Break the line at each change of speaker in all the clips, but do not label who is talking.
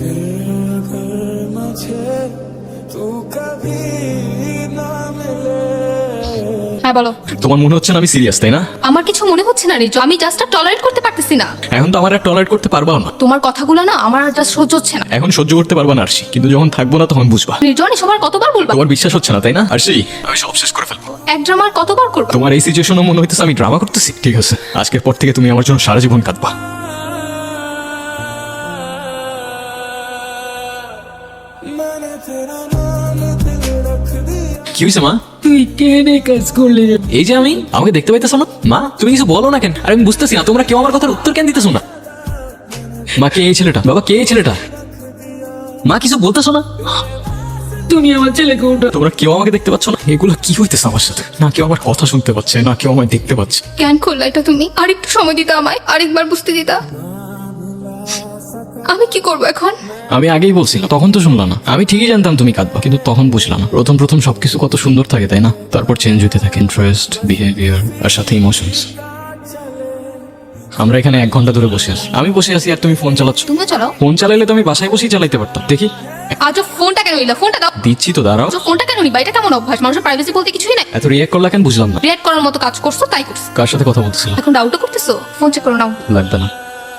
হ্যাঁ বলো।
তোমার মনে হচ্ছে না আমি সিরিয়াস, তাই না?
আমার কিছু মনে হচ্ছে না রিজু, আমি জাস্ট টলারেট করতে পারতেছি না।
এখন তো আমার আর টলারেট করতে পারবা না।
তোমার কথাগুলো না আমার জাস্ট সহ্য হচ্ছে না।
এখন সহ্য করতে পারবা না আরশি, কিন্তু যখন থাকবো না তখন বুঝবা।
রিজু আমি সবার কতবার বলবো?
তোমার বিশ্বাস হচ্ছে না তাই না আরশি? আমি সব শেষ করে ফেলবো।
এক ড্রামার কতবার করবো?
তোমার এই সিচুয়েশনও মনে হইতেছে আমি ড্রামা করতেছি। ঠিক আছে, আজকের পর থেকে তুমি আমার জন্য সারা জীবন কাঁদবা। কি হয়েছে মা?
তুই কেনে কাজ করলি?
এই যে আমি, আমাকে দেখতে পাইতেছো না? মা তুমি কিছু বলো না কেন? আর আমি বুঝতেছি না তোমরা কেউ আমার কথার উত্তর কেন দিতেছো না? মা কে এই ছেলেটা? বাবা কে এই ছেলেটা? মা কিছু বলতেছো না?
তুমি আমার ছেলেকে ওটা।
তোমরা কেউ আমাকে দেখতে পাচ্ছ না? এগুলো কি হইতেছে আমার সাথে? না কেউ আমার কথা শুনতে পাচ্ছে, না কেউ আমায় দেখতে পাচ্ছে।
কেন করলা এটা তুমি? আরেকটু সময় দিতা আমায়, আরেকবার বুঝতে দিতা। আমি কি করবো এখন?
আমি আগেই বলছিলাম, তখন তো শুনলাম না। আমি ঠিকই জানতাম তুমি কাঁদবা, কিন্তু তখন বুঝলাম না। প্রথম প্রথম সবকিছু কত সুন্দর থাকে তাই না? তারপর চেঞ্জ হতে থাকে ইন্টারেস্ট, বিহেভিয়ার আর সাথে ইমোশনস। আমরা এখানে 1 ঘন্টা ধরে বসে আছি। আমি বসে আছি আর তুমি ফোন চালাচ্ছ।
তুমি চালাও।
ফোন চালাইলে তো আমি বাসায় বসেই চালাইতে পারতাম। দেখি
আজ ফোনটা কেন নিলা? ফোনটা দাও।
দিচ্ছি তো, দাঁড়াও।
আজ ফোনটা কেন নিবা? এটা কেমন অভ্যাস? মানুষের প্রাইভেসি বলতে কিছুই নাই।
এত রিয়াক্ট করলা কেন বুঝলাম না।
রিয়েক্ট করার মতো কাজ করছো তাই করছো।
কার সাথে কথা বলতেছিলাম?
এখন ডাউটও করতেছো? ফোন চেক করো নাও।
লাগবে না।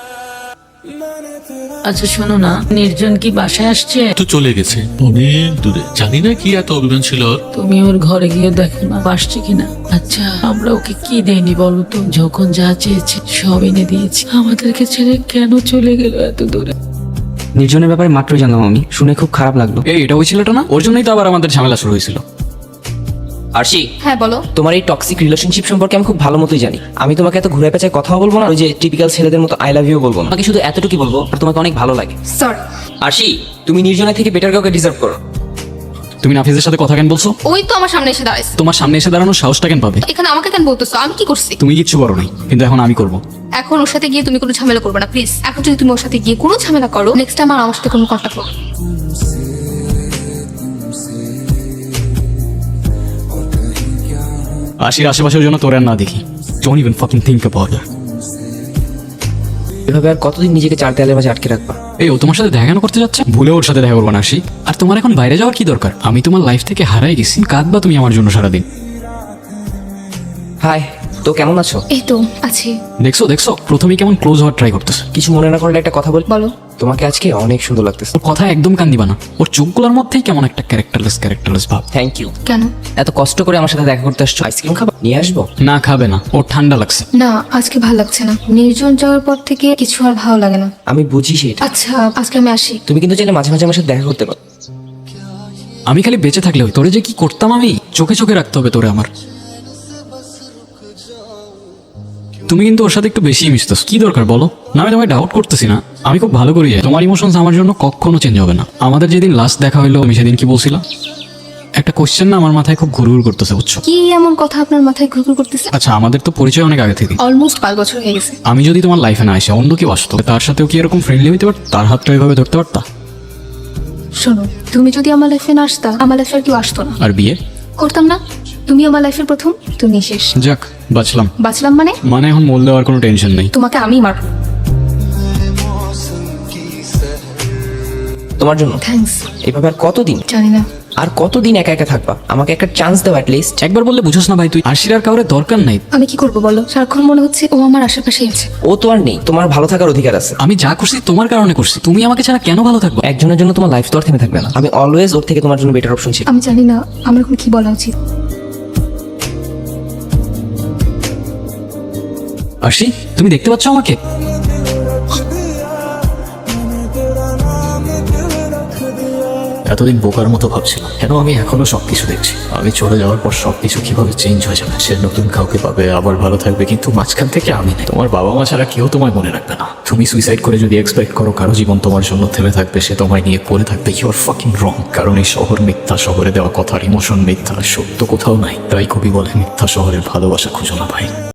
আচ্ছা শোনো না, নির্জন কি বাসায় আসছে?
তো চলে গেছে অনেক দূরে, জানি না কি এত অভিমান ছিল ওর।
তুমি ওর ঘরে গিয়ে দেখো না আসছে কিনা। আচ্ছা আমরা ওকে কি দেয়নি বলো তো? যখন যা চেয়েছে সব এনে দিয়েছি। আমাদেরকে ছেড়ে কেন চলে গেল এত দূরে?
নির্জনের ব্যাপারে মাত্রই জানলাম আমি, শুনে খুব খারাপ লাগলো।
এই এটা ওই ছেলেটা না? ওর জন্যই তো আবার আমাদের ঝামেলা শুরু হয়েছিল।
আরশি,
হ্যাঁ বলো।
তোমার এই টক্সিক রিলেশনশিপ সম্পর্কে আমি খুব ভালো মতোই জানি। আমি তোমাকে এত ঘুরে পেঁচায় কথাও বলবো না, ওই যে টিপিক্যাল ছেলেদের মতো আই লাভ ইউ বলবো না। তোমাকে শুধু এতটুকুই বলবো, আর তোমাকে অনেক ভালো লাগে।
সরি।
আরশি, তুমি নির্জনের থেকে বেটার কাউকে ডিজার্ভ করো।
তুমি নাফিজের সাথে কথা কেন বলছো?
ওই তো আমার সামনে এসে দাঁড়াইছে।
তোমার সামনে এসে দাঁড়ানোর সাহসটা কেন পাবে?
এখানে আমাকে কেন বলতেছো? আমি কি করছি?
তুমি কিচ্ছু করো নাই, কিন্তু এখন আমি করবো।
এখন ওর সাথে গিয়ে তুমি কোনো ঝামেলা করবে না প্লিজ। এখন যদি তুমি ওর সাথে গিয়ে কোনো ঝামেলা করো, নেক্সট টাইম আর আমার সাথে কোনো কন্ট্যাক্ট করো।
আশির আশেপাশের জন্য তোর আর না দেখি। Don't even fucking think about it.
এভাবে আর কতদিন নিজেকে 4 দেয়ালের মাঝে আটকে রাখবা?
এই ও তোমার সাথে দেখা কেন করতে যাচ্ছে? ভুলে ওর সাথে দেখা করবো না আশি। আর তোমার এখন বাইরে যাওয়ার কি দরকার? আমি তোমার লাইফ থেকে হারাই গেছি, কাঁদবা তুমি আমার জন্য সারাদিন।
হাই, তো কেমন আছো?
এই তো আছি।
দেখছো দেখছো, প্রথমেই কেমন ক্লোজ হওয়ার ট্রাই করতেছে।
কিছু মনে না করলে একটা কথা বল।
বলো।
তোমাকে আজকে অনেক সুন্দর লাগতেছে।
ওর কথা একদম কান দিবা না। ওর চোখগুলোর মধ্যেই কেমন একটা ক্যারেক্টারলেস ভাব।
Thank you.
কেন?
এত কষ্ট করে আমার সাথে দেখা করতে আসছো, আইসক্রিম খাবা? নিয়ে আসবো?
না খাবে না, ওর ঠান্ডা লাগছে।
না আজকে ভালো লাগছে না। নির্জন যাওয়ার পর থেকে কিছু আর ভালো লাগে না।
আমি বুঝি সেটা।
আচ্ছা আজকে আমি আসি।
তুমি কিন্তু চাইলে মাঝে মাঝে আমার সাথে দেখা করতে পারো।
আমি খালি বেঁচে থাকলে হই, তোরে যে কি করতাম আমি। চোখে চোখে রাখতে হবে তোরে আমার। তুমি কিন্তু ওর সাথে একটু বেশি মিশতেছ। কি দরকার বলো? না আমি তোমায় ডাউট করতেছি না, আমি খুব ভালো করি। তোমার ইমোশনস আমার জন্য কখনো চেঞ্জ হবে না। আমাদের যেদিন লাস্ট দেখা হইলো, আমি সেদিন কি বলছিলাম? একটা কোশ্চেন না আমার মাথায় খুব ঘুরঘুর করতেছে, বুঝছো?
কি এমন কথা আপনার মাথায় ঘুরঘুর করতেছে?
আচ্ছা আমাদের তো পরিচয় অনেক আগে থেকে।
অলমোস্ট 5 বছর হয়ে গেছে।
আমি যদি তোমার লাইফে না আসে অন্য কেউ আসতো, তার সাথেও কি এরকম ফ্রেন্ডলি হইতে পারত? তার হাতটা এভাবে ধরতে পারতা?
শোনো, তুমি যদি আমার লাইফে না আসতা, আমার লাইফে আর কেউ আসতো না।
আর বিয়ে
করতাম না। তুমি আমার লাইফের প্রথম, তুমি শেষ।
যাক বাঁচলাম।
বাঁচলাম মানে
এখন মোল দেওয়ার কোনো টেনশন নেই।
তোমাকে আমি মারবো।
তোমার জন্য
থ্যাঙ্কস।
এভাবে আর কতদিন?
জানি না।
আর কতদিন একা একা থাকবা? আমাকে একটা চান্স দাও অ্যাট লিস্ট।
একবার বললে বুঝোস না ভাই তুই? আশির আর কাউরে দরকার নাই।
আমি কি করবো বলো? সারাক্ষণ মনে হচ্ছে ও আমার আশেপাশেই আছে।
ও তো আর নেই, তোমার ভালো থাকার অধিকার আছে।
আমি যা করছি তোমার কারণে করছি। তুমি আমাকে ছাড়া কেন ভালো থাকবো?
একজনের জন্য তোমার লাইফ তো আর থেমে থাকবে না। আমি অলওয়েজ ওর থেকে তোমার জন্য বেটার অপশন ছিল।
আমি জানি না আমার এখন কি বলা উচিত।
আশি তুমি দেখতে পাচ্ছ আমাকে? এতদিন বোকার মতো ভাবছিলাম, কেন আমি এখনো সবকিছু দেখছি। আমি চলে যাওয়ার পর সবকিছু কিভাবে চেঞ্জ হয়ে যাবে। সে নতুন কাউকে পাবে, আবার ভালো থাকবে, কিন্তু মাঝখান থেকে আমি নেই। তোমার বাবা মা ছাড়া কেউ তোমায় মনে রাখবে না। তুমি সুইসাইড করে যদি এক্সপেক্ট করো কারো জীবন তোমার জন্য থেমে থাকবে, সে তোমায় নিয়ে পড়ে থাকবে, ইউ আর ফাকিং রং। কারণ এই শহর মিথ্যা, শহরে দেওয়া কথার ইমোশন মিথ্যা, সত্য কোথাও নাই। তাই কবি বলে মিথ্যা শহরের ভালোবাসা খুঁজো না ভাই।